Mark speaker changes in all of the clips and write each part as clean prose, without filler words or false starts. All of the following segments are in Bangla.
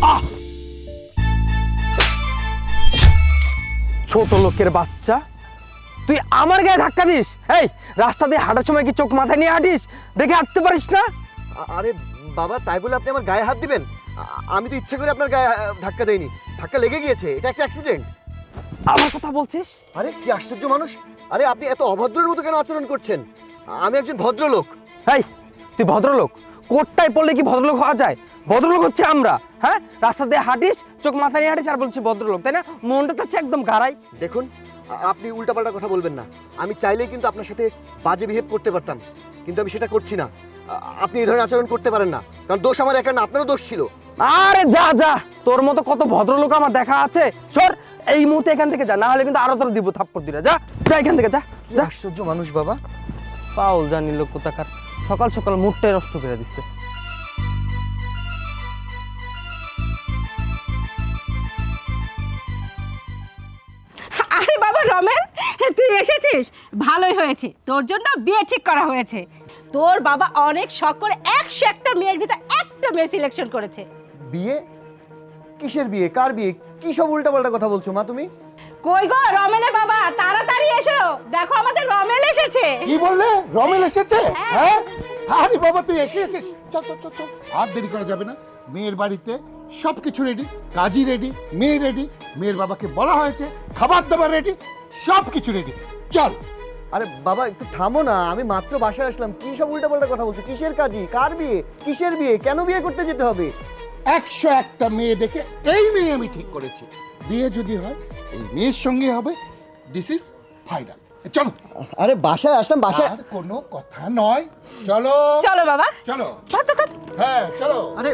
Speaker 1: ছোট লোকের বাচ্চা, তুই আমার গায়ে ধাক্কা দিস? এই রাস্তা দিয়ে হাঁটার সময় কি চোখ মাথায় নিয়ে হাঁটিস? দেখে হাঁটতে পারিস না?
Speaker 2: আরে বাবা, তাই বলে আপনি আমার গায়ে হাত দিবেন? আমি তো ইচ্ছে করে আপনার গায়ে ধাক্কা দেইনি, ধাক্কা লেগে গিয়েছে, এটা একটা অ্যাক্সিডেন্ট।
Speaker 1: আমার কথা বলছিস?
Speaker 2: আরে কি আশ্চর্য মানুষ! আরে আপনি এত অভদ্রের মতো কেন আচরণ করছেন? আমি একজন ভদ্রলোক।
Speaker 1: এই তুই ভদ্রলোক? কোটটাই পড়লে কি ভদ্রলোক হওয়া যায়? ভদ্রলোক হচ্ছে আমরা। হ্যাঁ, রাস্তা দিয়ে হাঁটিস, চোখ মাথায় নিয়ে হাঁটিস আর বলছি ভদ্রলোক, তাই না? মনটা তো হচ্ছে একদম গাড়াই।
Speaker 2: দেখুন, আপনি উল্টাপাল্টা কথা বলবেন না। আমি চাইলেই কিন্তু আপনার সাথে বাজে বিহেভ করতে পারতাম, কিন্তু আমি সেটা করছি না। আপনি এই ধরনের আচরণ করতে পারেন না, কারণ দোষ আমার একা না, আপনারও দোষ ছিল।
Speaker 1: আরে যা যা, তোর মতো কত ভদ্রলোক আমার দেখা আছে। সর এই মুহূর্তে এখান থেকে যা, না হলে কিন্তু আরো তোর দিব থাপ্পড় দিরা। যা যা এখান থেকে, যা
Speaker 2: কি
Speaker 1: যা।
Speaker 2: আশ্চর্য মানুষ বাবা!
Speaker 1: পাউল জানি লোক কোথাকার, সকাল সকাল মুডটাই নষ্ট করে দিচ্ছে।
Speaker 3: আরে বাবা রমেন, তুই এসেছিস, ভালোই হয়েছে। তোর জন্য বিয়ে ঠিক করা হয়েছে। তোর বাবা অনেক শখ করে 101টা মেয়ের ভিতর একটা মেয়ে সিলেকশন করেছে।
Speaker 2: বিয়ে? কিসের বিয়ে? কার বিয়ে? কি সব উল্টাপাল্টা কথা বলছো মা তুমি?
Speaker 3: কই গো রমেলের বাবা, তাড়াতাড়ি এসো, দেখো আমাদের রমেল এসেছে।
Speaker 4: কি বললে? রমেল এসেছে? হ্যাঁ, আরে বাবা তুই এসেছিস, চল চল চল চল, আর দেরি করা যাবে না। মেয়ের বাড়িতে সবকিছু রেডি, কাজী রেডি, মেয়ে রেডি, মেয়ের বাবাকে বলা হয়েছে, খাবার দাবার রেডি, সবকিছু রেডি, চল।
Speaker 2: আরে বাবা একটু থামো না, আমি মাত্র বাসায় আসলাম। কি সব উল্টাপাল্টা কথা বলছো? কিসের কাজী? কার বিয়ে? কিসের বিয়ে? কেন বিয়ে করতে যেতে হবে?
Speaker 4: 101টা মেয়ে দেখে এই মেয়ে আমি ঠিক করেছি, বিয়ে যদি হয় এই মেয়ের সঙ্গে হবে। দিস ইজ ফাইনাল, চলো।
Speaker 2: আরে বাসায় আসলাম, বাসায়।
Speaker 4: আর কোনো কথা নয়, চলো
Speaker 3: চলো বাবা,
Speaker 4: চলো।
Speaker 3: ধর ধর ধর।
Speaker 4: হ্যাঁ চলো।
Speaker 2: আরে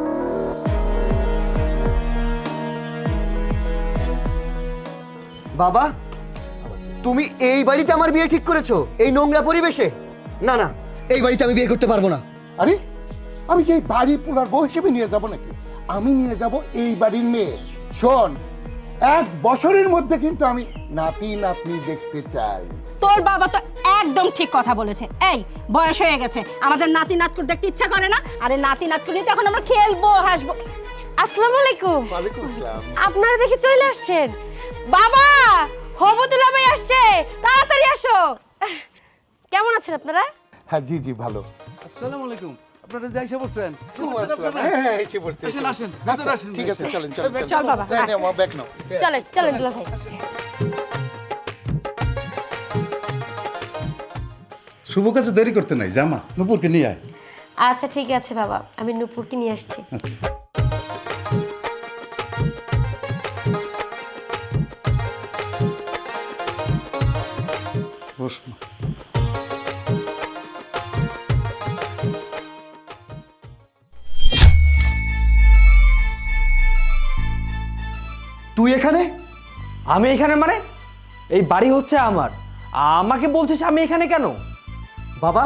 Speaker 2: বাবা, তুমি এই বাড়িতে আমার বিয়ে ঠিক করেছো? এই নোংরা পরিবেশে? না না, এই বাড়িতে আমি বিয়ে করতে পারবো না।
Speaker 4: আরে আমি কি এই বাড়ি পুনার বউ হিসেবে নিয়ে যাব নাকি? আমি নিয়ে যাব এই বাড়ির মেয়ে। শোন, 1 বছরের মধ্যে কিন্তু আমি নাতি নাতনি দেখতে চাই।
Speaker 3: তোর বাবা তো একদম ঠিক কথা বলেছে। এই বয়স হয়ে গেছে, আমাদের নাতি নাতকুর দেখতে ইচ্ছা করে না? আরে নাতি নাতকুর নিয়ে তখন আমরা খেলবো, হাসবো।
Speaker 5: আসসালামু আলাইকুম।
Speaker 4: ওয়ালাইকুম আসসালাম।
Speaker 5: আপনারা দেখে চলে আসছেন। বাবা, হবতুল্লাহ ভাই আসছে, তাড়াতাড়ি আসো। কেমন আছেন আপনারা?
Speaker 4: হ্যাঁ জি জি ভালো।
Speaker 6: আসসালামু আলাইকুম। আপনারা যাই এসে বসছেন?
Speaker 4: হ্যাঁ এসে পড়ছে।
Speaker 6: আসেন, আসেন, ভেতরে আসেন।
Speaker 4: ঠিক আছে, চলেন চলেন
Speaker 3: চল বাবা,
Speaker 4: হ্যাঁ নাও ব্যাগ নাও।
Speaker 5: চলেন চলেন দুলা ভাই।
Speaker 6: শুভ কাজে দেরি করতে নাই, জামা নূপুরকে নিয়ে আয়।
Speaker 5: আচ্ছা ঠিক আছে বাবা, আমি নূপুরকে নিয়ে আসছি।
Speaker 6: আচ্ছা। বস মা।
Speaker 2: তুই এখানে?
Speaker 1: আমি এখানে মানে? এই বাড়ি হচ্ছে আমার, আমাকে বলছিস আমি এখানে কেন?
Speaker 2: বাবা,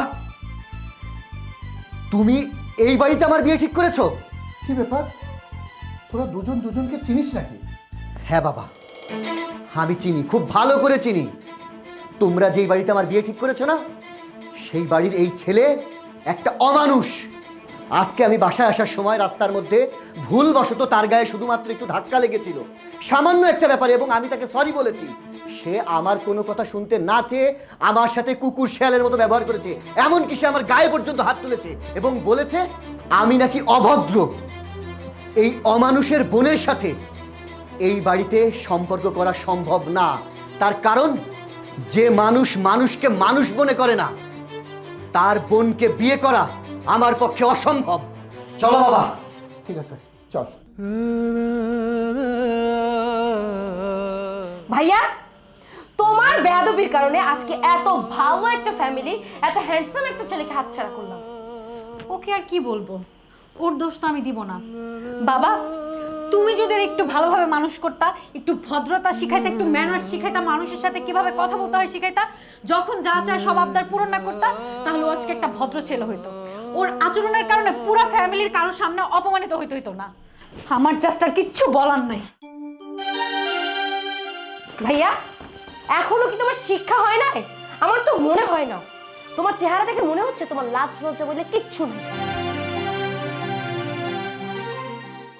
Speaker 2: তুমি এই বাড়িতে আমার বিয়ে ঠিক করেছো?
Speaker 4: কি ব্যাপার, তোরা দুজন দুজনকে চিনিস নাকি?
Speaker 2: হ্যাঁ বাবা, আমি চিনি, খুব ভালো করে চিনি। তোমরা যেই বাড়িতে আমার বিয়ে ঠিক করেছো না, সেই বাড়ির এই ছেলে একটা অমানুষ। আজকে আমি বাসায় আসার সময় রাস্তার মধ্যে ভুলবশত তার গায়ে শুধুমাত্র একটু ধাক্কা লেগেছিল, সামান্য একটা ব্যাপারে, এবং আমি তাকে সরি বলেছি। সে আমার কোনো কথা শুনতে না চেয়ে আমার সাথে কুকুর শেয়ালের মতো ব্যবহার করেছে। এমনকি সে আমার গায়ে পর্যন্ত হাত তুলেছে এবং বলেছে আমি নাকি অভদ্র। এই অমানুষের বোনের সাথে এই বাড়িতে সম্পর্ক করা সম্ভব না। তার কারণ, যে মানুষ মানুষকে মানুষ মনে করে না, তার বোনকে বিয়ে করা আমার পক্ষে অসম্ভব। চলো বাবা।
Speaker 4: ঠিক আছে চল।
Speaker 5: ভাইয়া, তোমার বেয়াদবির কারণে আজকে এত ভালো একটা ফ্যামিলি, এত হ্যান্ডসাম একটা ছেলেকে হাতছাড়া করলাম।
Speaker 7: ওকে আর কি বলবো, ওর দোষ তো আমি দিব না।
Speaker 5: বাবা,
Speaker 7: তুমি যদি ওর একটু ভালোভাবে মানুষ করতা, একটু ভদ্রতা শিখাইতা, একটু ম্যানার্স শিখাইতা, মানুষের সাথে কিভাবে কথা বলতে হয় শিখাইতা, যখন যা চায় সব আবদার পূরণ না করতা, তাহলে ও আজকে একটা ভদ্র ছেলে হইতো। ওর আচরণের কারণে পুরো ফ্যামিলির কারোর সামনে অপমানিত হইতো না। আমার জাস্ট আর কিচ্ছু বলার নাই।
Speaker 5: ভাইয়া, এখনো কি তোমার শিক্ষা হয় নাই? আমার তো মনে হয় না। তোমার চেহারা দেখে মনে হচ্ছে তোমার লাজ লজ্জা বলে কিচ্ছু নেই।